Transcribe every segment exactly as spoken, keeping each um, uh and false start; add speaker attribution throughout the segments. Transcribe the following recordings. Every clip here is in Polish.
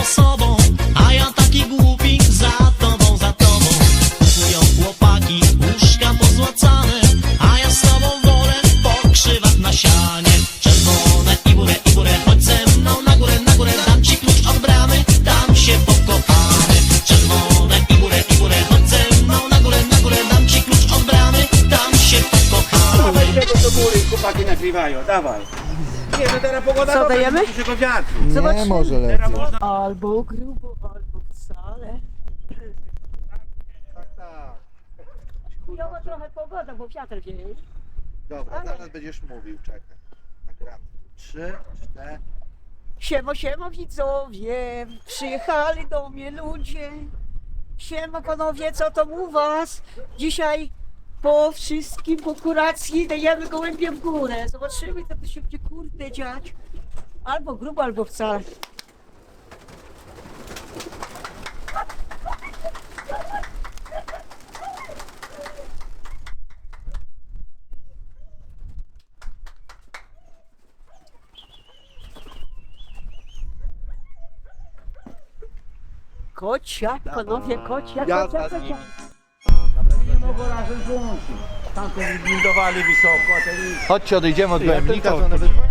Speaker 1: sobą, a ja taki głupi za tobą, za tobą. Kupują chłopaki łóżka pozłacane, a ja z tobą wolę po krzywach na sianie. Czerwone i górę, i górę, chodź ze mną na górę, na górę, dam ci klucz od bramy, tam się pokochamy. Czerwone i górę, i górę, chodź ze mną na górę, na górę, dam ci klucz od bramy, tam się pokochamy.
Speaker 2: Dawaj tego do góry, chłopaki nagrywają, dawaj. Nie, to teraz pogoda
Speaker 3: Co,
Speaker 2: dobra,
Speaker 3: dajemy?
Speaker 2: dużego wiatru.
Speaker 4: Nie,
Speaker 3: Zobaczymy.
Speaker 4: może
Speaker 2: Teraz
Speaker 4: lepiej.
Speaker 2: można...
Speaker 3: Albo grubo, albo wcale.
Speaker 4: Tak, tak.
Speaker 3: Chujowa trochę pogoda, bo wiatr wieje.
Speaker 4: Dobra, zaraz będziesz mówił, czekaj. Nagramy. Trzy, cztery.
Speaker 3: Siemo, siemo widzowie, przyjechali do mnie ludzie. Siema panowie, co tam u was? Dzisiaj po wszystkim, po kuracji dajemy gołębie w górę. Zobaczymy, co to się będzie kurde dziać. Albo grubo, albo wcale. Kocia, panowie, kocia, kocia, kocia.
Speaker 2: Nie mogą razem złączyć. Tamte wybudowali wysoko, a ten...
Speaker 4: Chodźcie, odejdziemy od
Speaker 2: gołębnika,
Speaker 4: gołębnika,
Speaker 2: to
Speaker 4: to
Speaker 2: nawet-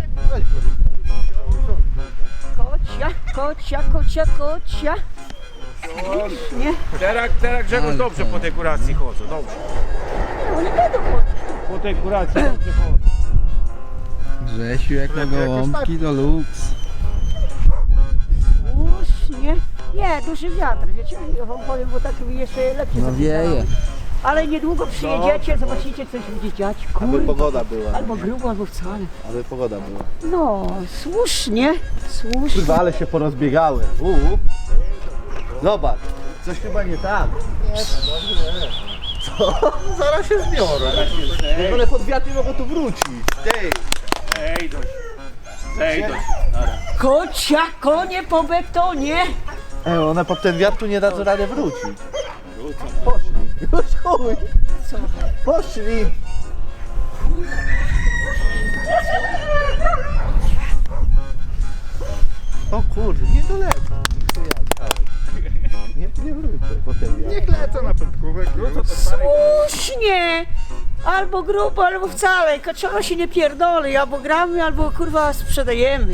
Speaker 3: Kocia, kocia, kocia, kocia. Nie,
Speaker 2: Teraz, teraz Grzegorz dobrze po tej kuracji chodzą, dobrze.
Speaker 3: no nie będą chodzić.
Speaker 2: Po tej kuracji dobrze chodzą.
Speaker 4: Grzesiu, jak na gołąbki to luks.
Speaker 3: Słusznie. Nie, duży wiatr, wiecie, ja wam powiem, bo tak jeszcze lepiej
Speaker 4: No wieje.
Speaker 3: zapisałem. Ale niedługo przyjedziecie, zobaczycie, co się będzie dziać.
Speaker 4: Aby
Speaker 3: Kurde.
Speaker 4: pogoda była.
Speaker 3: Albo grubo, albo wcale.
Speaker 4: Aby pogoda była.
Speaker 3: No, słusznie, słusznie.
Speaker 4: Kurwa, ale się porozbiegały. Uuu. Zobacz, coś chyba nie tak. Co? Zaraz się zbiorą. W ogóle pod wiatr nie mogą tu wrócić. Ty.
Speaker 2: Ej, dość. Ej, dość.
Speaker 3: Kocia, konie po betonie.
Speaker 4: Ej, one pod ten wiatr tu nie dadzą rady wrócić. Poszli. Już chuj.
Speaker 3: Co?
Speaker 4: Poszli. O kurde, nie dolecą. Nie, nie wrócę potem. Niech lecą na pętkówek.
Speaker 3: Słusznie. Albo grubo, albo wcale. Kaczora się nie pierdoli, albo gramy, albo kurwa sprzedajemy.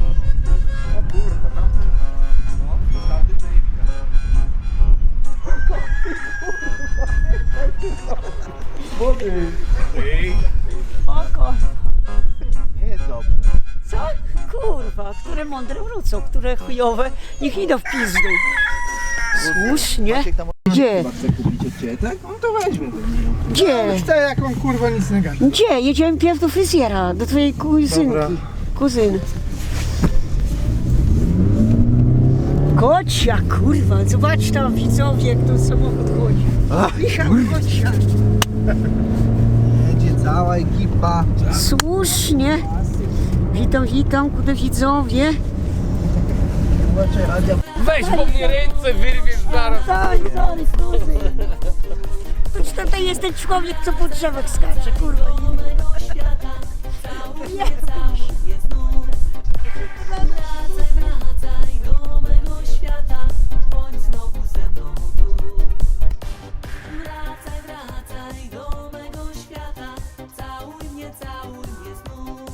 Speaker 2: Ej,
Speaker 3: Oko.
Speaker 4: Nie jest dobrze.
Speaker 3: Co? Kurwa, które mądre wrócą, które chujowe, niech idą w pizdu. Słusznie.
Speaker 4: Maciek tam
Speaker 3: Gdzie?
Speaker 4: chce kupić od ciebie, tak? On to weźmie.
Speaker 3: Gdzie?
Speaker 4: Chce jak on kurwa nic nie gada.
Speaker 3: Gdzie? Jedziemy pierw do fryzjera, do twojej kuzynki.
Speaker 4: Dobra.
Speaker 3: Kuzyny. Kocia, kurwa, zobacz tam widzowie, jak ten samochód chodzi. Michał, kocia.
Speaker 4: Jedzie cała ekipa.
Speaker 3: Słusznie. Witam, witam, kude widzowie.
Speaker 2: weź po mnie ręce, wyrwiesz zaraz.
Speaker 3: Sorry, sorry, sorry. To tutaj jest ten człowiek, co po drzewach skacze, kurwa. Jest.
Speaker 5: Wracaj do mego świata, bądź znowu ze mną tu. Wracaj, wracaj do mego świata, całuj mnie, całuj mnie znów.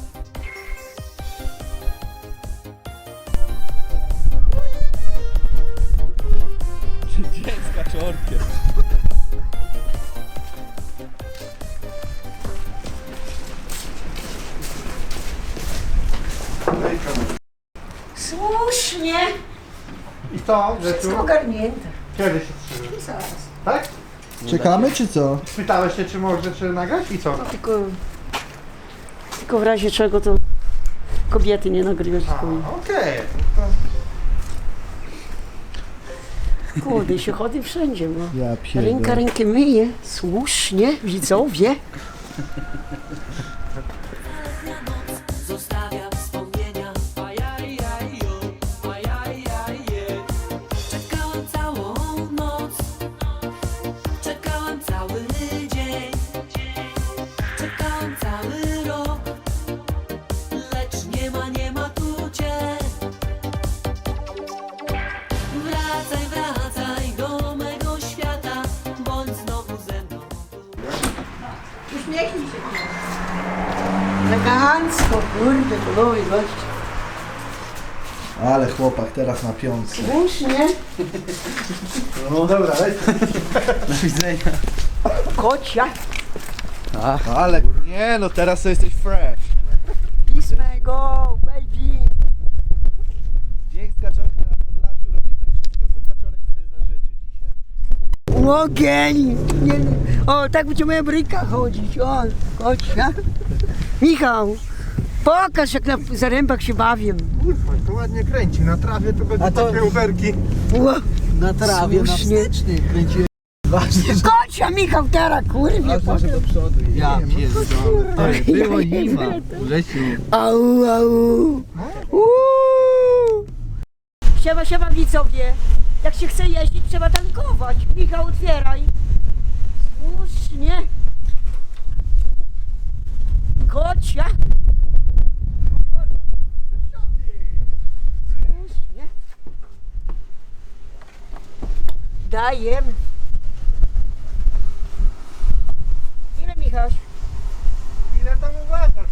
Speaker 4: Dziecka czy orkiestr?
Speaker 3: Słusznie.
Speaker 2: I co, że tu?
Speaker 3: Wszystko ogarnięte.
Speaker 2: Kiedy się trzyma?
Speaker 3: Zaraz.
Speaker 2: Tak?
Speaker 4: Czekamy czy co?
Speaker 2: Spytałeś się, czy może czy nagrać i co?
Speaker 3: Tylko, tylko w razie czego to kobiety nie nagrywasz.
Speaker 2: A, okej.
Speaker 3: Kurde, się chodzi wszędzie, no.
Speaker 4: Ja pierdolę.
Speaker 3: Ręka rękę myje. Słusznie, widzowie.
Speaker 5: Zostawia wspomnienia, ajajajo, ajajaje. Czekałam całą noc, czekałam cały dzień, czekałam cały rok, lecz nie ma, nie ma tu cię.
Speaker 3: Elegancko, kurde, panowie, goście.
Speaker 4: Ale chłopak teraz na piątce.
Speaker 3: Słusznie.
Speaker 4: No dobra, do widzenia.
Speaker 3: Kocia.
Speaker 4: Ale nie no, teraz to jesteś fresh.
Speaker 3: Pismy go, baby.
Speaker 4: Dzień z kaczorkiem na Podlasiu. Robimy wszystko, co kaczorek sobie zażyczy dzisiaj.
Speaker 3: Ogień. Nie, o, tak będzie moja bryka chodzić. O, kocia. Michał, pokaż jak na zarębach się bawię.
Speaker 6: Kurwa, to ładnie kręci. Na trawie to będą
Speaker 4: A to-
Speaker 6: takie uberki.
Speaker 3: Ło,
Speaker 4: Na trawie, na
Speaker 3: Słusznie.
Speaker 4: wsteczny kręciłem. Ważne, że
Speaker 3: Kocia, Michał, teraz, kurwie.
Speaker 4: ważne, że do przodu. Ja pierdolę. Było zima. Grzesiu.
Speaker 3: Au, au. Uuu. Siema, siema widzowie. Jak się chce jeździć, trzeba tankować. Michał, otwieraj. Słusznie. Kocia. Słusznie. Dajem. Ile, Michał?
Speaker 6: Ile tam uważasz?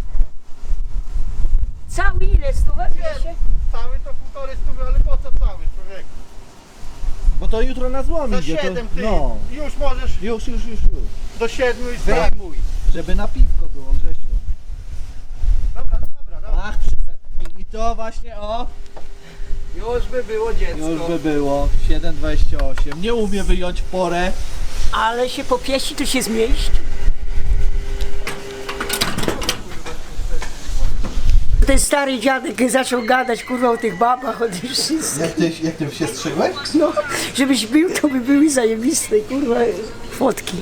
Speaker 3: Cały ile? Stówę? Dwieście?
Speaker 6: Cały to półtorej stówy, ale po co cały, człowiek?
Speaker 4: Bo to jutro na złom
Speaker 6: Za
Speaker 4: idzie. To,
Speaker 6: siedem ty.
Speaker 4: no.
Speaker 6: Już możesz
Speaker 4: Już, już, już, już.
Speaker 6: do siedmiu i
Speaker 4: Wyjmuj.
Speaker 6: zdejmuj.
Speaker 4: Żeby na piwko było, Grzesiu.
Speaker 6: Dobra, dobra, dobra.
Speaker 4: Ach, przestań. I to właśnie, o.
Speaker 6: Już by było dziecko.
Speaker 4: Już by było. siedem dwadzieścia osiem. Nie umie wyjąć w porę.
Speaker 3: Ale się popieści, to się zmieści. Ten stary dziadek zaczął gadać, kurwa, o tych babach, o tych wszystkich.
Speaker 4: Jak ty, jak ty się strzygłeś?
Speaker 3: No, żebyś był, to by były zajebiste, kurwa, fotki.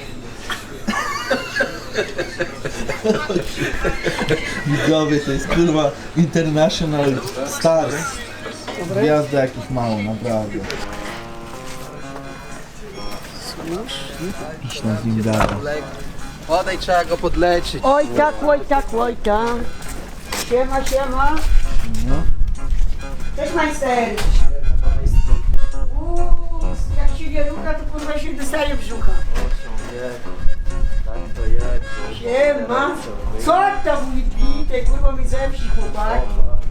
Speaker 4: Widzowie, to jest kurwa International Stars. Gwiazda jakich mało, naprawdę. Iść na z nim gada.
Speaker 2: Podaj, trzeba go podleczyć.
Speaker 3: Oj tak, oj tak, oj tak. Siema, siema.
Speaker 4: No.
Speaker 3: Cześć, majster. Uuu, jak się nie rucha, to kurwa się dostaje brzucha. Siema. Co tam mówi bite, kurwa mi zemści chłopaki.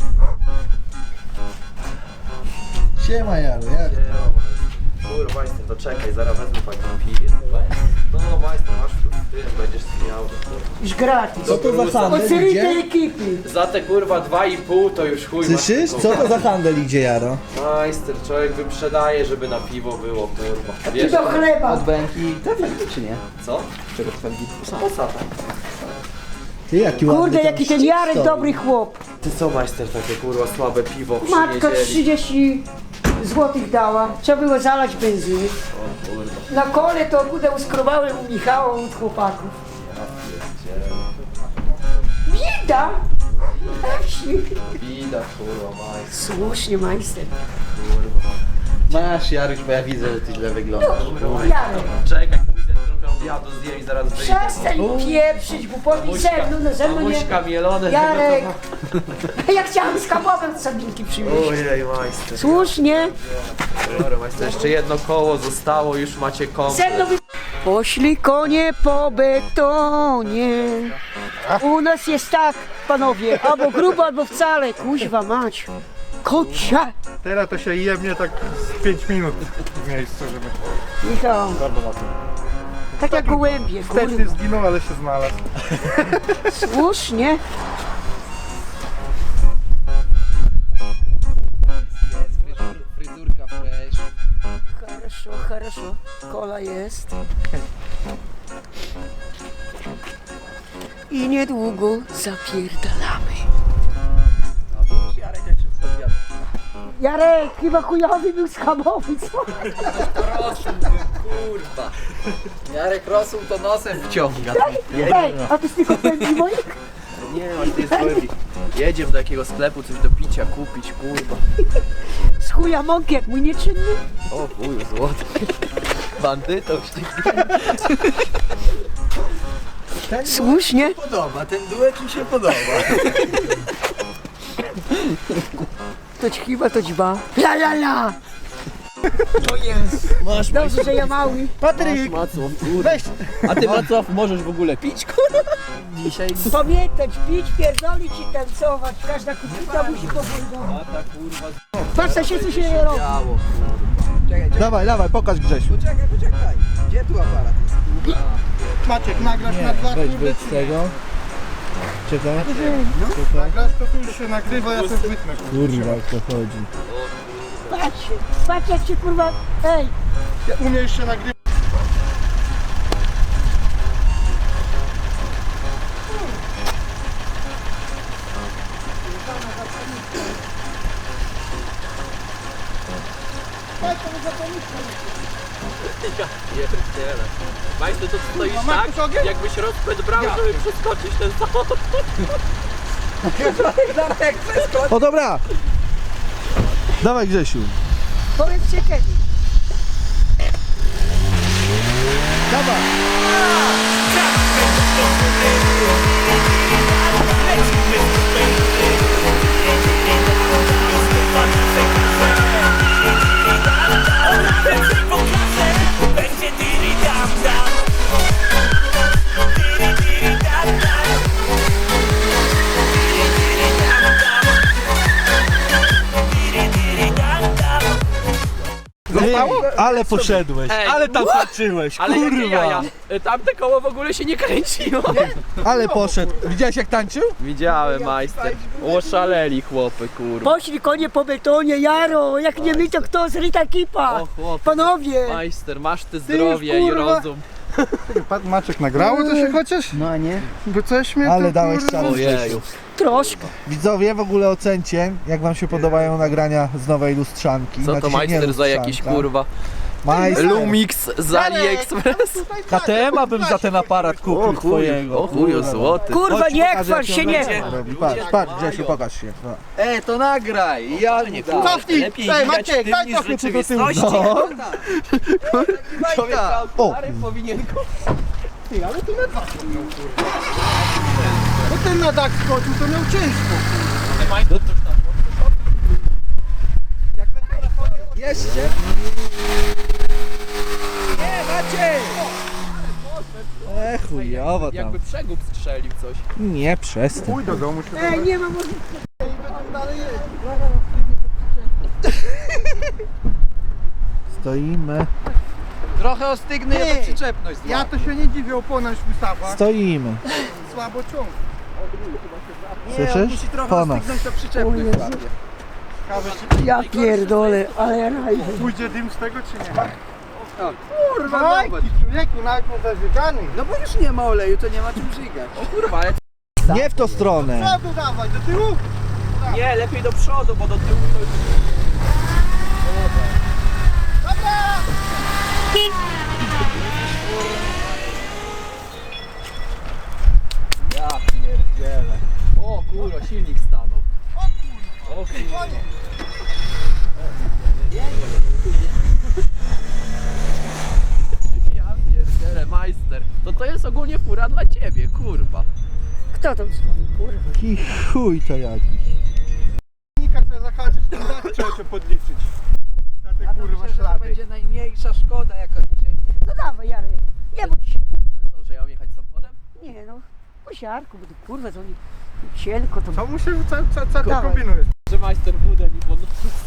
Speaker 4: Siema Jaro, jak?
Speaker 7: Kurwa, majster, to czekaj, zaraz wezmę fajną piję. No, majster, masz tu, ty będziesz miał.
Speaker 3: Już gratis.
Speaker 4: Co to za handel
Speaker 3: Od serii tej
Speaker 4: idzie?
Speaker 3: ekipy.
Speaker 7: Za te kurwa dwa i pół to już chuj.
Speaker 4: Słyszysz?
Speaker 7: masz
Speaker 4: Co
Speaker 7: taką-
Speaker 4: to za handel idzie, Jaro?
Speaker 7: Majster, człowiek wyprzedaje, żeby na piwo było, kurwa.
Speaker 3: Ty
Speaker 7: Wiesz,
Speaker 3: do chleba.
Speaker 4: Bęki, to czy nie?
Speaker 7: co?
Speaker 4: Czego felgi?
Speaker 7: Posada.
Speaker 4: Ty jaki ładny
Speaker 3: Kurde,
Speaker 4: tam
Speaker 3: jaki ten
Speaker 4: szczyt
Speaker 3: Jarek
Speaker 4: stoi.
Speaker 3: dobry chłop.
Speaker 7: Ty co, majster, takie kurwa słabe piwo przy
Speaker 3: Matka
Speaker 7: niedzieli?
Speaker 3: trzydzieści złotych dała. Trzeba było zalać benzyny.
Speaker 7: O kurwa.
Speaker 3: Na kole to kudę uskrobałem u Michała od chłopaków. Bieda! Na wsi.
Speaker 7: Bida, kurwa, majster,
Speaker 3: Słusznie, majster.
Speaker 7: kurwa.
Speaker 4: Masz Jaruś, bo ja widzę, że ty źle wyglądasz.
Speaker 3: Jarek,
Speaker 7: Czekaj, pójdę trochę obiadu zjem i zaraz wyjdę.
Speaker 3: przestań pieprzyć, bo powiedz ze mną, no ze mną nie.
Speaker 7: Mamuśka mielone.
Speaker 3: Jarek, ja chciałam z kabowem sabinki przywieźć.
Speaker 7: Ojej, majster.
Speaker 3: Słusznie,
Speaker 7: Dobra, majster, jeszcze jedno koło zostało, już macie komplet.
Speaker 3: ze mną wy... Poszli konie po betonie. U nas jest tak, panowie, albo grubo, albo wcale. Kuźwa mać. Kocia.
Speaker 6: Teraz to się jebnie tak z pięć minut w miejscu, żeby...
Speaker 3: Michał, tak jak gołębie,
Speaker 6: Wsteczny
Speaker 3: kurwa.
Speaker 6: zginął, ale się znalazł.
Speaker 3: Słusznie.
Speaker 2: Fryzurka fresh.
Speaker 3: Хорошо, хорошо. Kola jest. I niedługo zapierdalamy. Jarek, chyba chujowy był schabowy, co?
Speaker 2: Kurwa. Jarek rosół to nosem wciąga.
Speaker 3: Ej, a to z tych opędzi moich?
Speaker 7: Nie, właśnie to jest głębi. Jedziemy do jakiegoś sklepu, coś do picia kupić, kurwa.
Speaker 3: Z chuja mąki, jak mój nieczynny.
Speaker 7: O chuju, złoty. Bandytą
Speaker 3: Słusznie.
Speaker 2: Podoba, ten duet mi się podoba.
Speaker 3: To ci chyba to dźba. La la la! To jest.
Speaker 2: Masz,
Speaker 3: Dobrze, że ja mały.
Speaker 6: Patryk,
Speaker 2: Macław, kurwa.
Speaker 6: weź,
Speaker 2: A ty Macław możesz w ogóle pić, kurwa?
Speaker 8: dzisiaj.
Speaker 3: Pamiętać, pić, pierdolić i tancować. Każda kucyka musi powolnować. Patrz, co się tu się robi.
Speaker 8: Działo, czekaj, czekaj,
Speaker 4: Dawaj, dawaj, pokaż Grzesiu.
Speaker 8: poczekaj, poczekaj. Gdzie tu aparat jest?
Speaker 6: Maciek, nagrasz na dwa
Speaker 4: Weź
Speaker 6: kurde,
Speaker 4: wyjdź
Speaker 6: czy
Speaker 4: z
Speaker 6: nie?
Speaker 4: tego. Czekaj.
Speaker 6: Nagrasz to tu już się nagrywa, ja sobie wytnę.
Speaker 4: Kurwa, jak to chodzi.
Speaker 3: Patrz, patrz jak się kurwa... Ej,
Speaker 6: Ja umiesz się nagrywać.
Speaker 7: Pierdziele. Majster, to stoisz
Speaker 6: No, masz
Speaker 7: tak,
Speaker 6: tu ogień?
Speaker 7: jakbyś rozpęd brał, żeby przeskoczyć ten samochód.
Speaker 8: Darek, przeskocz!
Speaker 4: O dobra! Dawaj Grzesiu.
Speaker 3: powiedzcie kiedy.
Speaker 4: Dawaj. Ej, ale poszedłeś,
Speaker 7: Ej,
Speaker 4: ale tam patrzyłeś,
Speaker 7: Ale jakie
Speaker 4: kurwa.
Speaker 7: jaja? Y, Tamte koło w ogóle się nie kręciło.
Speaker 4: Ale poszedł. Widziałeś jak tańczył?
Speaker 7: Widziałem, majster. Oszaleli chłopy, kurwa.
Speaker 3: Poszli konie po betonie, Jaro, jak nie my to kto, zryta kipa.
Speaker 7: O chłopy.
Speaker 3: Panowie,
Speaker 7: Majster, masz ty zdrowie i
Speaker 6: kurwa.
Speaker 7: rozum.
Speaker 6: Pat- Maciek, nagrało to się chociaż?
Speaker 8: No nie?
Speaker 6: Bo coś mnie
Speaker 4: Ale
Speaker 6: tu,
Speaker 4: dałeś
Speaker 6: kurwa.
Speaker 4: czas Grzesiu.
Speaker 7: Ojeju.
Speaker 3: troszkę.
Speaker 4: Widzowie, w ogóle ocencie, jak wam się podobają nagrania z nowej lustrzanki.
Speaker 7: Co to
Speaker 4: Znaczy się nie
Speaker 7: majster za jakiś
Speaker 4: lustrzanka.
Speaker 7: kurwa
Speaker 4: Majster.
Speaker 7: Lumix z AliExpress?
Speaker 4: K T M bym za ten aparat kupił twojego.
Speaker 7: O chuju, złoty.
Speaker 3: Kurwa,
Speaker 4: Chodź,
Speaker 3: nie
Speaker 4: pokaż,
Speaker 3: chwal
Speaker 4: jak
Speaker 3: się,
Speaker 4: on
Speaker 3: nie.
Speaker 4: będzie robił. Patrz, patrz Grzesiu, pokaż się. No.
Speaker 8: E, to nagraj! Ja nie dam.
Speaker 6: Cofnij!
Speaker 7: Lepiej
Speaker 6: Ej,
Speaker 7: widać
Speaker 6: Maciek,
Speaker 7: tym
Speaker 6: daj
Speaker 7: niż
Speaker 6: cofnij tu do tyłu.
Speaker 4: No.
Speaker 8: Bajka!
Speaker 4: O,
Speaker 7: Powinien
Speaker 6: Ty, ale tu na dwa miał, kurwa. Bo ten na dach skoczył, to miał ciężko.
Speaker 8: Jeszcze? Nie, Maciej!
Speaker 4: e, chujowo tam.
Speaker 7: jakby przegub strzelił coś.
Speaker 4: Nie, przestań.
Speaker 6: Pójdź do domu się.
Speaker 3: Ej, nie ma możliwości.
Speaker 4: Stoimy,
Speaker 8: Trochę ostygny, ja to
Speaker 6: Ty,
Speaker 8: przyczepność
Speaker 6: Ja to się nie dziwię, opona już wystawła.
Speaker 4: stoimy.
Speaker 6: Słabo ciąg.
Speaker 8: Nie, on
Speaker 4: Słyszysz?
Speaker 8: musi trochę
Speaker 4: Pona.
Speaker 8: ostygnąć, to przyczepność złapie.
Speaker 6: Ciekawe, czy
Speaker 3: Ja pierdolę, ale raj.
Speaker 6: pójdzie dym z tego, czy nie?
Speaker 8: O, kurwa,
Speaker 6: Majki,
Speaker 8: zobacz.
Speaker 6: człowieku, nawet nie zażygany.
Speaker 8: No bo już nie ma oleju, to nie ma czym żygać.
Speaker 7: O kurwa, ale
Speaker 4: Nie w tą stronę.
Speaker 6: Przodu dawaj, do tyłu.
Speaker 7: nie, lepiej do przodu, bo do tyłu to już... Ja pierdzielę. O kurwa, silnik stanął. O kurwa. Ja pierdzielę, majster. To to jest ogólnie fura dla ciebie, kurwa.
Speaker 3: Kto tam dzwoni, kurwa?
Speaker 4: I chuj to jakiś.
Speaker 6: Nika trzeba zahaczyć, ten dach trzeba cię podliczyć. Za te
Speaker 8: Ja to
Speaker 6: kurwa
Speaker 8: myślę, że to
Speaker 6: ślady.
Speaker 8: będzie najmniejsza szkoda, jaka dzisiaj.
Speaker 3: No dawaj, Jarek, nie bądź się.
Speaker 7: A co, że ja mam jechać samochodem?
Speaker 3: Nie no, po siarku, bo to kurwa, to nie cienko to...
Speaker 6: Co mu się, co, co, co ty
Speaker 3: Dawaj.
Speaker 6: kombinujesz?
Speaker 7: Że majster budę mi pod...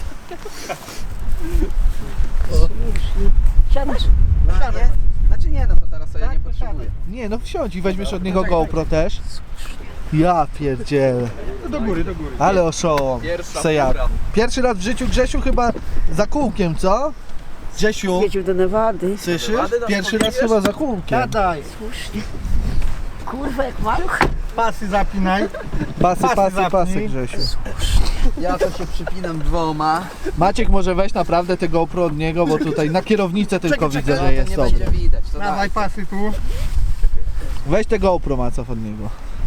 Speaker 3: Siadasz?
Speaker 8: No, nie? Znaczy nie, no to teraz sobie nie potrzebuję.
Speaker 4: Nie, no wsiądź i weźmiesz od niego GoPro też. Ja pierdzielę.
Speaker 6: To do góry, do góry.
Speaker 4: Ale oszołom.
Speaker 7: Pierwsza
Speaker 4: Sejak.
Speaker 7: fura.
Speaker 4: Pierwszy raz w życiu Grzesiu chyba za kółkiem, co? Grzesiu,
Speaker 3: Jedziemy do Nevady.
Speaker 4: słyszysz?
Speaker 7: Nevady nas
Speaker 4: Pierwszy raz
Speaker 7: podbijesz?
Speaker 4: chyba za kółkiem.
Speaker 6: Gadaj.
Speaker 3: Słusznie. Kurwa, jak maluch.
Speaker 6: Pasy zapinaj.
Speaker 4: Pasy,
Speaker 6: Pasy
Speaker 4: pasy, pasy
Speaker 6: zapnij.
Speaker 4: Grzesiu.
Speaker 8: Ja to się przypinam dwoma.
Speaker 4: Maciek może weź naprawdę te GoPro od niego, bo tutaj na kierownicę tylko
Speaker 6: Czekaj,
Speaker 4: widzę,
Speaker 6: czekaj,
Speaker 4: że
Speaker 8: To
Speaker 4: jest
Speaker 8: nie
Speaker 4: sobie.
Speaker 8: będzie widać. To
Speaker 6: Dawaj
Speaker 8: daj.
Speaker 6: pasy tu.
Speaker 4: Weź te GoPro Macow od niego.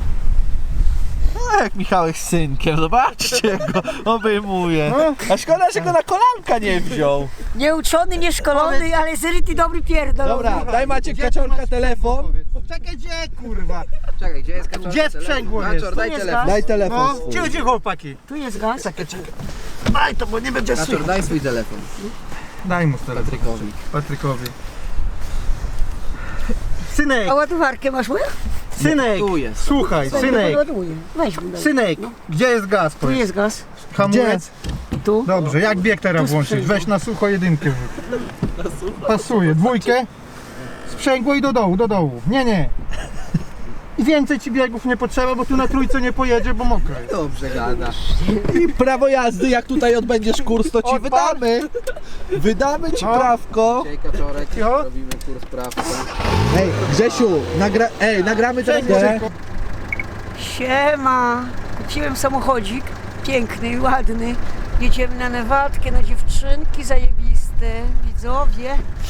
Speaker 4: A jak Michałek z synkiem, zobaczcie go, obejmuje. A szkoda, że go na kolanka nie wziął.
Speaker 3: Nieuczony, nieszkolony, ale zryty dobry pierdol.
Speaker 4: Dobra, daj Maciek
Speaker 6: Gdzie ty
Speaker 4: kaczorka
Speaker 6: masz
Speaker 4: telefon.
Speaker 6: sprzęgło? Czekaj, gdzie kurwa?
Speaker 8: Czekaj, gdzie jest kaczor?
Speaker 6: Gdzie sprzęgło jest?
Speaker 8: Kaczor, daj
Speaker 3: Tu jest
Speaker 8: telefon.
Speaker 4: Daj telefon
Speaker 6: No,
Speaker 4: swój.
Speaker 6: gdzie, gdzie chłopaki?
Speaker 3: Tu jest gaz.
Speaker 6: Czekaj, czekaj. Daj to, bo nie będzie
Speaker 8: Kaczor,
Speaker 6: słychać.
Speaker 8: daj swój telefon.
Speaker 6: Daj mu telefon.
Speaker 8: Patrykowi.
Speaker 6: Patrykowi. Synek,
Speaker 3: A ładowarkę masz moją?
Speaker 6: Synek,
Speaker 8: Tu jest.
Speaker 6: słuchaj, synek,
Speaker 3: Ładuję. Weź mu daj.
Speaker 6: synek, gdzie jest gaz?
Speaker 3: Tu
Speaker 6: Powiedz?
Speaker 3: jest gaz.
Speaker 6: Hamulec?
Speaker 3: Tu.
Speaker 6: Dobrze, jak bieg teraz
Speaker 3: Tu
Speaker 6: włączyć?
Speaker 3: sprzęgło.
Speaker 6: Weź na sucho jedynkę. Pasuje, dwójkę. Sprzęgło i do dołu, do dołu. Nie, nie. I więcej ci biegów nie potrzeba, bo tu na trójce nie pojedzie, bo mokro jest.
Speaker 8: Dobrze gadasz.
Speaker 4: I prawo jazdy, jak tutaj odbędziesz kurs, to ci
Speaker 6: Odpal.
Speaker 4: wydamy. Wydamy ci
Speaker 6: No.
Speaker 4: prawko.
Speaker 8: Dzisiaj kaczorek,
Speaker 6: Jo.
Speaker 8: robimy kurs prawka.
Speaker 4: Ej, Grzesiu, nagra ej, nagramy teraz
Speaker 6: Sprzęgło
Speaker 4: grę.
Speaker 6: szybko.
Speaker 3: Siema. Kupiłem samochodzik. Piękny i ładny. Jedziemy na Newatkę, na dziewczynki zajebiste. Widzowie.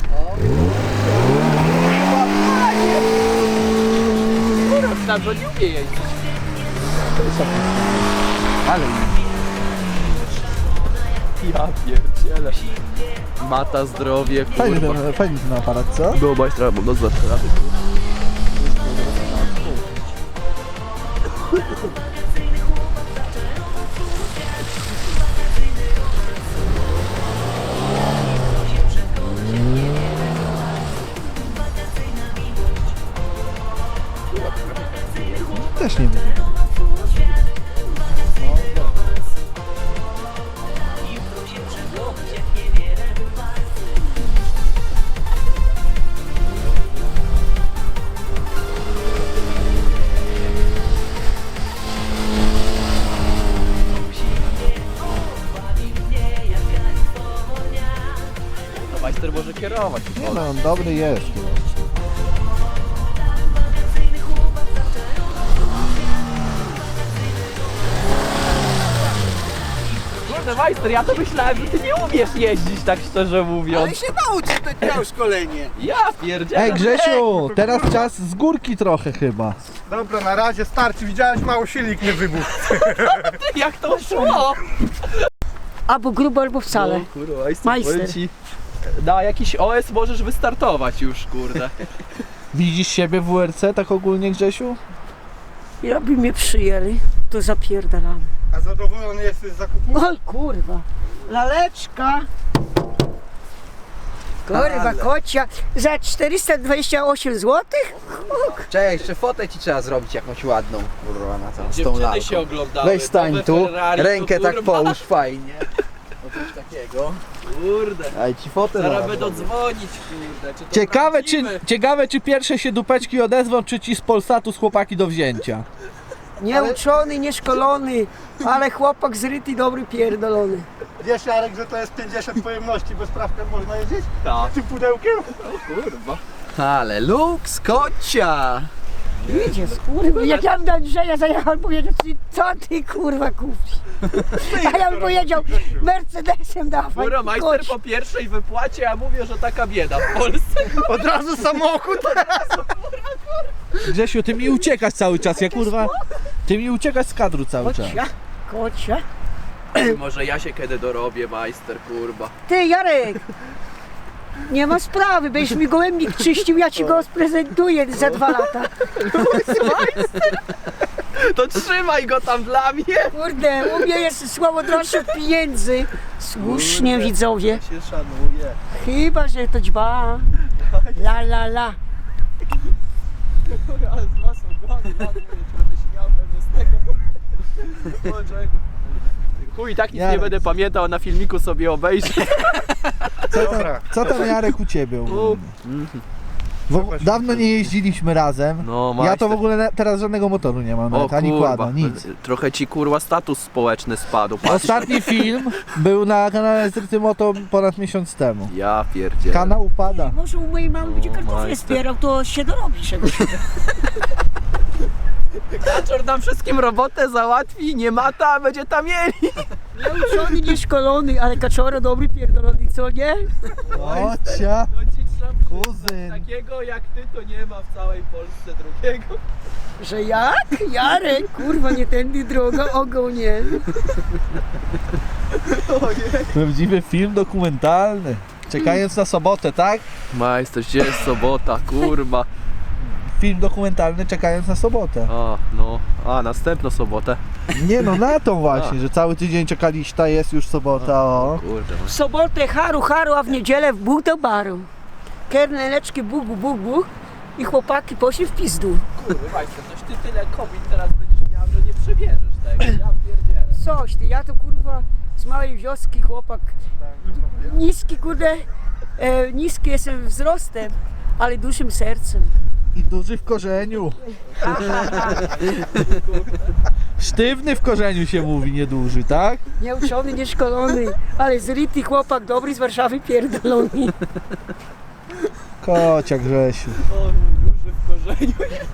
Speaker 8: Tam to nie umie jeździć.
Speaker 4: Ale
Speaker 7: Ja pierdzielę. Mata, zdrowie,
Speaker 4: fajny
Speaker 7: kurwa.
Speaker 4: ten, fajny ten aparat, co?
Speaker 7: Do majstra, bo do zawsze.
Speaker 4: Też nie wiem.
Speaker 7: To majster może kierować.
Speaker 4: Nie no, on dobry jest.
Speaker 7: Kurde, majster, ja to myślałem, że ty nie umiesz jeździć, tak szczerze mówiąc.
Speaker 6: się nauczysz, to miał szkolenie.
Speaker 7: Ja pierdzielę.
Speaker 4: Ej Grzesiu, teraz czas z górki trochę chyba.
Speaker 6: Dobra, na razie starczy. Widziałeś, mało silnik nie wybuchł.
Speaker 7: Jak to szło?
Speaker 3: Albo grubo, albo wcale.
Speaker 7: No, kurwa, majster,
Speaker 3: Majster.
Speaker 7: powiem ci, na jakiś O S możesz wystartować już, kurde.
Speaker 4: Widzisz siebie w W R C tak ogólnie, Grzesiu?
Speaker 3: Jakby mnie przyjęli, to zapierdalam.
Speaker 6: A zadowolony jesteś z zakupu?
Speaker 3: Oj kurwa, laleczka. Kurwa, kocia. Za czterysta dwadzieścia osiem złotych?
Speaker 8: Czekaj, jeszcze fotę ci trzeba zrobić jakąś ładną. Kurwa, na tą, z tą
Speaker 7: Dziewczyny
Speaker 8: lalką.
Speaker 7: się oglądały.
Speaker 8: Weź stań
Speaker 7: nowe
Speaker 8: tu,
Speaker 7: Ferrari,
Speaker 8: rękę
Speaker 7: to
Speaker 8: tak
Speaker 7: kurwa,
Speaker 8: połóż fajnie. O coś takiego.
Speaker 7: Kurde.
Speaker 8: Daj ci fotę
Speaker 7: Zaraz
Speaker 8: zrobię.
Speaker 7: będą dzwonić, kurde. Czy to
Speaker 4: Ciekawe czy,
Speaker 7: prawdziwe?
Speaker 4: ciekawe czy pierwsze się dupeczki odezwą, czy ci z Polsatu z chłopaki do wzięcia.
Speaker 3: Nieuczony, nieszkolony, ale chłopak zryty, dobry, pierdolony.
Speaker 6: Wiesz, Jarek, że to jest pięćdziesiąt pojemności, bez prawka można jeździć?
Speaker 7: Tak.
Speaker 6: Tym pudełkiem?
Speaker 7: Kurwa.
Speaker 8: Ale luks, kocia!
Speaker 3: Idzie, kurwa. Jak ja bym do Andrzeja zajechał, powiedział ci, co ty kurwa kupisz? A ja bym powiedział, Mercedesem dawaj.
Speaker 7: Kurwa, majster
Speaker 3: koć.
Speaker 7: po pierwszej wypłacie, ja mówię, że taka bieda w Polsce.
Speaker 6: Od razu samochód.
Speaker 4: Grzesiu, ty mi uciekasz cały czas, ja kurwa... Ty mi uciekasz z kadru cały czas.
Speaker 3: Kocia, kocia.
Speaker 7: Może ja się kiedy dorobię, majster, kurwa.
Speaker 3: Ty Jarek, nie ma sprawy, będziesz mi gołębnik czyścił, ja ci go sprezentuję za dwa lata.
Speaker 7: To trzymaj go tam dla mnie.
Speaker 3: Kurde, u mnie jest słowo droższe od pieniędzy. Słusznie widzowie,
Speaker 7: Się szanuje.
Speaker 3: chyba że to dźba. La la la.
Speaker 7: Ale z was ogony, ja mówię, że będę śmiał pewnie z tego. O, czego? Chuj, tak nic nie
Speaker 4: Jarek.
Speaker 7: będę pamiętał, na filmiku sobie obejrzę.
Speaker 6: Dobra.
Speaker 4: Co tam Jarek u ciebie ogólnie? W, dawno nie jeździliśmy razem.
Speaker 7: No,
Speaker 4: Ja to
Speaker 7: majster.
Speaker 4: w ogóle na, teraz żadnego motoru nie mam,
Speaker 7: O
Speaker 4: nawet, ani
Speaker 7: kurwa,
Speaker 4: kłada, nic.
Speaker 7: trochę ci kurwa status społeczny spadł. Patrz.
Speaker 4: Ostatni film był na kanale Zryty Moto ponad miesiąc temu.
Speaker 7: Ja pierdzielę.
Speaker 4: Kanał upada.
Speaker 3: Może u mojej mamy będzie kartofle
Speaker 7: majster.
Speaker 3: zbierał, to się dorobi czegoś.
Speaker 7: Kaczor nam wszystkim robotę załatwi, nie mata, a będzie tam mieli.
Speaker 3: Nieuczony, nieszkolony, ale kaczora dobry, pierdolony, co nie?
Speaker 4: Ocia,
Speaker 7: No ci trzeba
Speaker 4: kuzyn.
Speaker 7: takiego jak ty to nie ma w całej Polsce drugiego.
Speaker 3: Że jak? Jarek, kurwa, nie tędy droga, ogonie.
Speaker 4: Prawdziwy film dokumentalny. Czekając na sobotę, tak?
Speaker 7: Majster, gdzie jest sobota, kurwa.
Speaker 4: Film dokumentalny czekając na sobotę.
Speaker 7: A, no, a następną sobotę.
Speaker 4: Nie no, na tą właśnie, że cały tydzień czekaliście, a jest już sobota, o.
Speaker 7: Kurde,
Speaker 3: W sobotę haru, haru, a w niedzielę w buch do baru. Kerneleczki, buch, buch, buch. i chłopaki poszli w pizdu.
Speaker 8: Kurwa, Majster, toś ty tyle kobiet teraz będziesz miał, że nie przebierzesz tego. Ja pierdzielę.
Speaker 3: Coś ty, ja to kurwa z małej wioski chłopak. Niski kurde, e, niski jestem wzrostem, ale dużym sercem.
Speaker 4: I duży w korzeniu. Sztywny w korzeniu się mówi, nieduży, tak?
Speaker 3: Nieuczony, nieszkolony, ale zryty chłopak, dobry z Warszawy, pierdolony.
Speaker 4: Kocia Grzesiu.
Speaker 8: O, duży w korzeniu.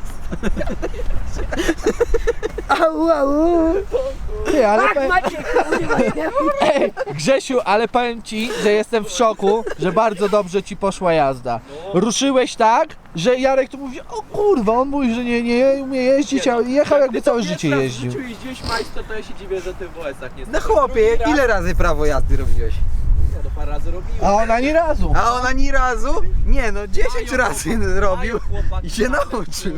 Speaker 3: Au, au.
Speaker 4: Ty, ale
Speaker 3: Ach,
Speaker 4: powiem,
Speaker 3: Maciek, kurwa, nie?
Speaker 4: ej, Grzesiu, ale powiem ci, że jestem w szoku, że bardzo dobrze ci poszła jazda. Ruszyłeś tak, że Jarek tu mówi, o kurwa, on mówi, że nie, nie umie jeździć, a jechał jakby całe życie jeździł.
Speaker 8: Jak jeździłeś Majster, to ja się dziwię, że ty w O S-ach nie
Speaker 9: No chłopie, ile razy prawo jazdy robiłeś?
Speaker 8: No parę razy robiłem.
Speaker 4: A ona ani razu.
Speaker 9: A on ani razu? Nie no, dziesięć
Speaker 8: Mają
Speaker 9: razy
Speaker 8: chłopaki,
Speaker 9: robił
Speaker 8: mają chłopaki,
Speaker 9: i się
Speaker 8: mają,
Speaker 9: nauczył.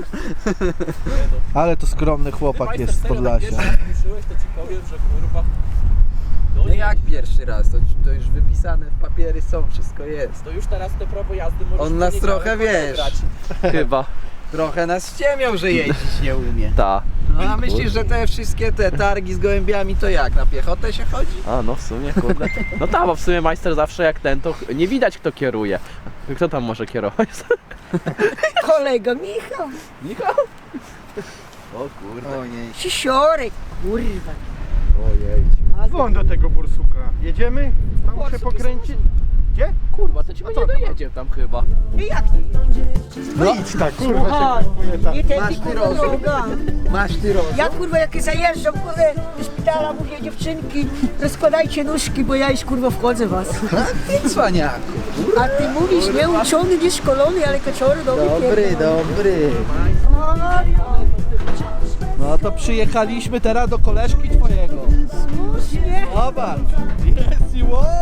Speaker 4: Ale to skromny chłopak jest z Podlasia.
Speaker 8: Ruszyłeś, to ci powiem, że kurwa...
Speaker 9: No jak pierwszy raz? To, to już wypisane, papiery są, wszystko jest.
Speaker 8: To już teraz te prawo jazdy możesz
Speaker 9: On nas
Speaker 8: poniedziałek
Speaker 9: trochę, wiesz.
Speaker 8: odebrać. Chyba.
Speaker 9: Trochę nas ściemiał, że jeździć nie umie.
Speaker 8: Ta.
Speaker 9: No a myślisz, że te wszystkie te targi z gołębiami to jak? Na piechotę się chodzi?
Speaker 10: A no w sumie, kurde. No tak, bo w sumie majster zawsze jak ten, to nie widać kto kieruje. Kto tam może kierować?
Speaker 3: Kolega Michał,
Speaker 10: Michał? O kurde.
Speaker 9: Ojej.
Speaker 3: Sisiorek, kurwa.
Speaker 10: Ojej.
Speaker 6: Dzwoń do tego bursuka. Jedziemy? Tam
Speaker 3: Borsuk
Speaker 6: się pokręcić? Gdzie?
Speaker 10: Kurwa, to ci nie dojedzie tam chyba.
Speaker 3: I jak nie jedziesz?
Speaker 6: No idź tak, kurwa
Speaker 3: Słuchaj,
Speaker 6: się kupuje tak.
Speaker 3: nie tędy
Speaker 9: Masz ty
Speaker 3: kurwa
Speaker 9: rozum.
Speaker 3: droga.
Speaker 9: Masz ty rozum?
Speaker 3: Ja kurwa jak zajeżdżam kurwa do szpitala, mówię dziewczynki, rozkładajcie nóżki, bo ja już kurwa wchodzę w was.
Speaker 9: Ty cwaniaku.
Speaker 3: A ty mówisz nieuczony, nieszkolony, ale kaczory dobry
Speaker 9: Dobry,
Speaker 3: pierdolony.
Speaker 9: dobry.
Speaker 3: O, no,
Speaker 4: No to przyjechaliśmy teraz do koleżki twojego.
Speaker 3: słusznie.
Speaker 4: Zobacz. Jest i wow.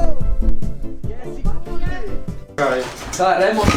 Speaker 8: Ta, remont.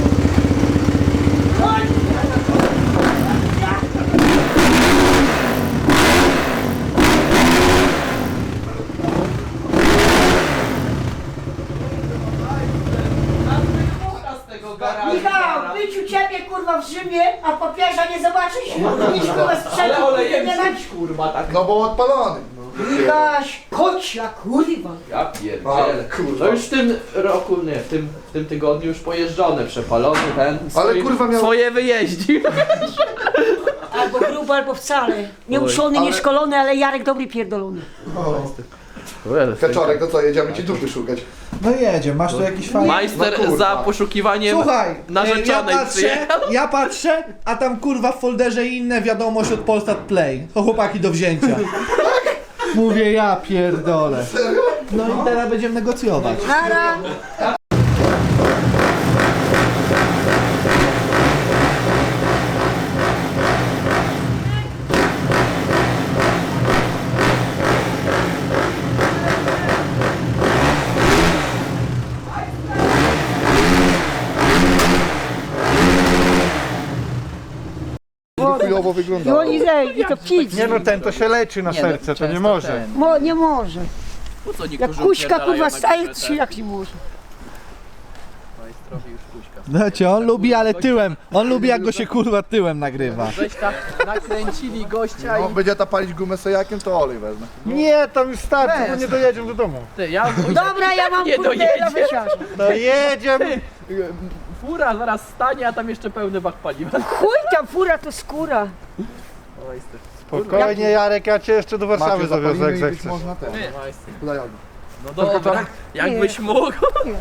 Speaker 3: Michał, być u ciebie kurwa w Rzymie, a papieża nie zobaczysz? Nic kurwa sprzętu
Speaker 8: Ale olejem
Speaker 3: nie dać.
Speaker 8: żyć, kurwa, tak.
Speaker 2: No bo odpalony.
Speaker 3: Michaś, kocia kurwa.
Speaker 10: Ja pierdzielę. To już w tym roku, nie, w tym, w tym tygodniu już pojeżdżony, przepalony ten. Swoim,
Speaker 2: kurwa miał-
Speaker 10: Swoje wyjeździł.
Speaker 3: Albo grubo, albo wcale. Nieuczony,
Speaker 2: Ale-
Speaker 3: nieszkolony, ale Jarek dobry pierdolony.
Speaker 2: Kaczorek, to co, jedziemy ci dupy szukać.
Speaker 4: No jedzie, masz tu jakiś fajny...
Speaker 10: Majster
Speaker 2: No kurwa.
Speaker 10: za poszukiwaniem
Speaker 4: Słuchaj,
Speaker 10: narzeczonej
Speaker 4: ja patrzę,
Speaker 10: przyjechał.
Speaker 4: ja patrzę, a tam kurwa w folderze inne wiadomość od Polsat Play. To chłopaki do wzięcia. Mówię, ja pierdolę. No i teraz będziemy negocjować.
Speaker 3: Nara.
Speaker 2: Chujowo
Speaker 3: I
Speaker 2: wyglądało.
Speaker 3: oni zej, i to pić.
Speaker 6: Nie no, ten to się leczy na
Speaker 9: Nie no,
Speaker 6: serce, to nie
Speaker 9: często
Speaker 6: może.
Speaker 9: ten.
Speaker 3: Mo, nie może.
Speaker 10: Po co
Speaker 3: Jak
Speaker 10: niektórzy
Speaker 3: kuśka
Speaker 10: upierdalają
Speaker 3: kurwa
Speaker 10: na
Speaker 3: staje,
Speaker 10: górze
Speaker 3: to
Speaker 10: te-
Speaker 3: się jak nie może.
Speaker 10: Majstrowi już kuśka.
Speaker 4: Znacie, on lubi, ale tyłem. On lubi, jak go się kurwa tyłem nagrywa.
Speaker 8: Żeś tak nakręcili gościa
Speaker 2: No,
Speaker 8: i...
Speaker 2: będzie ta palić gumę sojakiem, to olej wezmę.
Speaker 6: Nie, tam już starczy, bo nie dojedziemy do domu.
Speaker 10: Ty, ja...
Speaker 3: Dobra, ja mam
Speaker 10: Nie
Speaker 3: kurde
Speaker 10: dojedzie.
Speaker 3: na wyciarze.
Speaker 6: No jedziemy.
Speaker 10: Fura zaraz stanie, a tam jeszcze pełny bak paliwa.
Speaker 3: Chuj tam, fura to skóra.
Speaker 6: Spokojnie Jarek, ja cię jeszcze do Warszawy
Speaker 2: Macie
Speaker 6: zawiozę jak
Speaker 2: zapalimy i być
Speaker 6: zechcesz.
Speaker 2: można ten.
Speaker 10: Majster.
Speaker 2: Hulajody.
Speaker 10: No dobra, jakbyś mógł.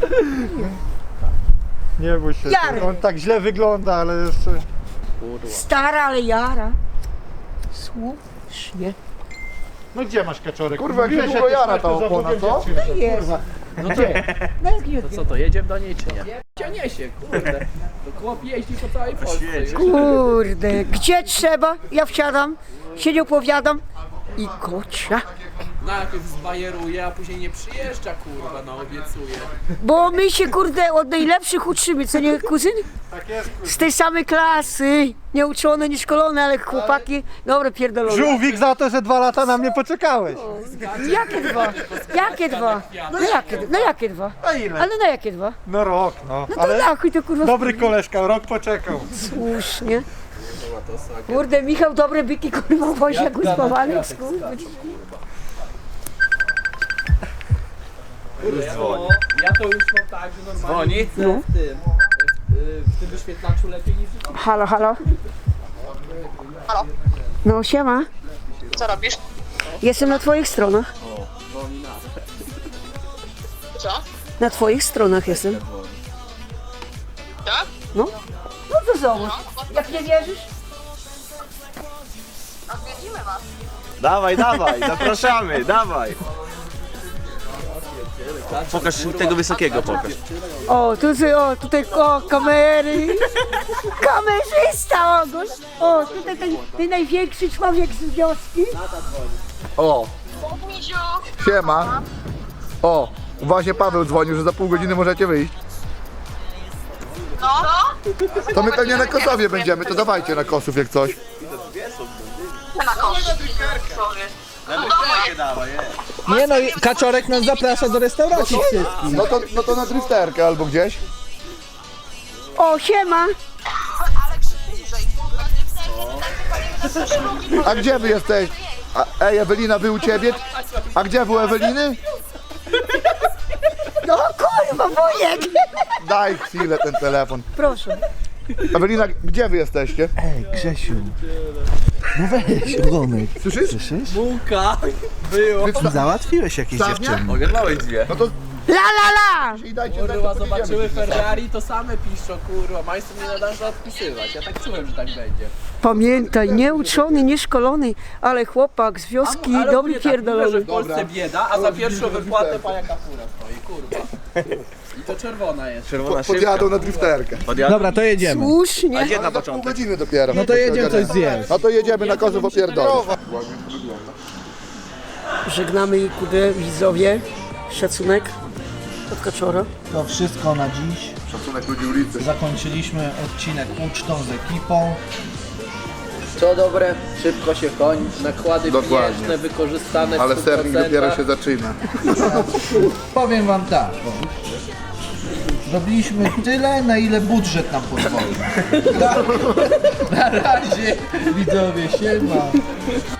Speaker 6: Nie bój się,
Speaker 3: Jarek.
Speaker 6: on tak źle wygląda, ale jeszcze...
Speaker 3: Stara, ale jara. Słusznie.
Speaker 6: No gdzie masz kaczorek?
Speaker 2: Kurwa, jak
Speaker 6: Mówiłeś,
Speaker 2: niedługo
Speaker 6: jak
Speaker 2: jara
Speaker 6: masz,
Speaker 2: ta
Speaker 6: to za
Speaker 2: opona,
Speaker 6: Bogiem
Speaker 2: co?
Speaker 6: dziewczynę.
Speaker 3: Jest.
Speaker 10: No to,
Speaker 3: No jak nie
Speaker 10: to co, to jedziemy do niej czy nie? Cię niesie, kurde. To chłop jeździ po całej Polsce. już.
Speaker 3: Kurde, gdzie trzeba, ja wsiadam, się nie opowiadam i kocia.
Speaker 8: najpierw zbajeruje, a później nie przyjeżdża, kurwa, no obiecuje.
Speaker 3: Bo my się kurde od najlepszych uczymy, co nie kuzyn?
Speaker 6: Tak jest,
Speaker 3: Z tej samej klasy. Nieuczone, nieszkolone, ale chłopaki, dobre pierdolone.
Speaker 6: Żółwik za to, że dwa lata na mnie poczekałeś.
Speaker 3: Jakie dwa? Jakie dwa? No jakie, no jakie dwa?
Speaker 6: A ile?
Speaker 3: Ale na jakie dwa?
Speaker 6: No rok, no.
Speaker 3: No to
Speaker 6: Ale
Speaker 3: na chuj to kurwa
Speaker 6: dobry koleżka, rok poczekał.
Speaker 3: słusznie. Kurde, Michał, dobre byki kurwa wozi jak uspawany.
Speaker 8: Bo ja to już mam tak, że normalnie widzę
Speaker 3: No.
Speaker 8: w tym, w, w tym wyświetlaczu lepiej niż w
Speaker 3: Halo, halo. No siema.
Speaker 11: Co robisz?
Speaker 3: Jestem na twoich stronach.
Speaker 11: Co?
Speaker 3: Na twoich stronach jestem.
Speaker 11: Tak?
Speaker 3: No. No to zobacz. Jak nie wierzysz?
Speaker 11: Odwiedzimy was.
Speaker 2: Dawaj, dawaj, zapraszamy, dawaj. Pokaż tego wysokiego, pokaż.
Speaker 3: O, tu, o, tutaj, o, kamery. Kamerzysta, Ogoś. O, tutaj ten, ten największy człowiek z wioski.
Speaker 12: O,
Speaker 11: Misiu.
Speaker 12: siema. O, właśnie Paweł dzwonił, że za pół godziny możecie wyjść.
Speaker 11: No?
Speaker 12: To my pewnie na Kosowie będziemy, to dawajcie na Kosów jak coś.
Speaker 11: Na kosz. Sorry.
Speaker 2: Dawaj,
Speaker 4: Nie no, i Kaczorek nas zaprasza do restauracji wszystkich.
Speaker 12: No to, no to na drifterkę albo gdzieś.
Speaker 3: O, siema.
Speaker 11: Ale bliżej.
Speaker 12: A gdzie wy jesteś? A, ej, Ewelina, wy u ciebie? A gdzie wy u Eweliny?
Speaker 3: No kurwa, wujek.
Speaker 12: Daj chwilę ten telefon.
Speaker 3: Proszę.
Speaker 12: Ewelina, gdzie wy jesteście?
Speaker 4: Ej, Grzesiu. No weź, ogonek.
Speaker 12: Słyszysz?
Speaker 4: Słyszysz?
Speaker 8: Bułka było.
Speaker 4: Załatwiłeś jakieś dziewczyny.
Speaker 2: Ogarnąłeś dwie.
Speaker 12: No to
Speaker 3: La la la.
Speaker 12: i dajcie znać,
Speaker 8: Kurwa,
Speaker 12: to podjedziemy.
Speaker 8: zobaczyły Ferrari, to same piszczą, kurwa, majster nie nadarzy odpisywać. Ja tak czułem, że tak będzie.
Speaker 3: Pamiętaj, nieuczony, nieszkolony, ale chłopak z wioski,
Speaker 8: Ale
Speaker 3: dobry
Speaker 8: ogólnie tak mówię, że
Speaker 3: pierdolony.
Speaker 8: w Polsce bieda, a za pierwszą wypłatę pajaka fura stoi, kurwa. I to czerwona jest.
Speaker 2: Czerwona
Speaker 12: Podjadą na drifterkę.
Speaker 4: Dobra, to jedziemy.
Speaker 3: Słusznie.
Speaker 2: Gdzie na
Speaker 12: Za pół
Speaker 2: początek?
Speaker 12: godziny dopiero.
Speaker 4: No to jedziemy coś zjeść.
Speaker 12: No to jedziemy na Kosów opierdolić.
Speaker 3: Żegnamy kudę widzowie. Szacunek od Kaczora.
Speaker 4: To wszystko na dziś.
Speaker 12: Szacunek ludzi ulicy.
Speaker 4: Zakończyliśmy odcinek ucztą z ekipą.
Speaker 9: Co dobre, szybko się kończy, nakłady
Speaker 12: Dokładnie.
Speaker 9: pieniężne wykorzystane w
Speaker 12: Ale
Speaker 9: stu
Speaker 12: serwis
Speaker 9: procentach.
Speaker 12: dopiero się zaczyna.
Speaker 4: Powiem wam tak. Zrobiliśmy tyle, na ile budżet nam pozwoli. Na razie, widzowie, siema.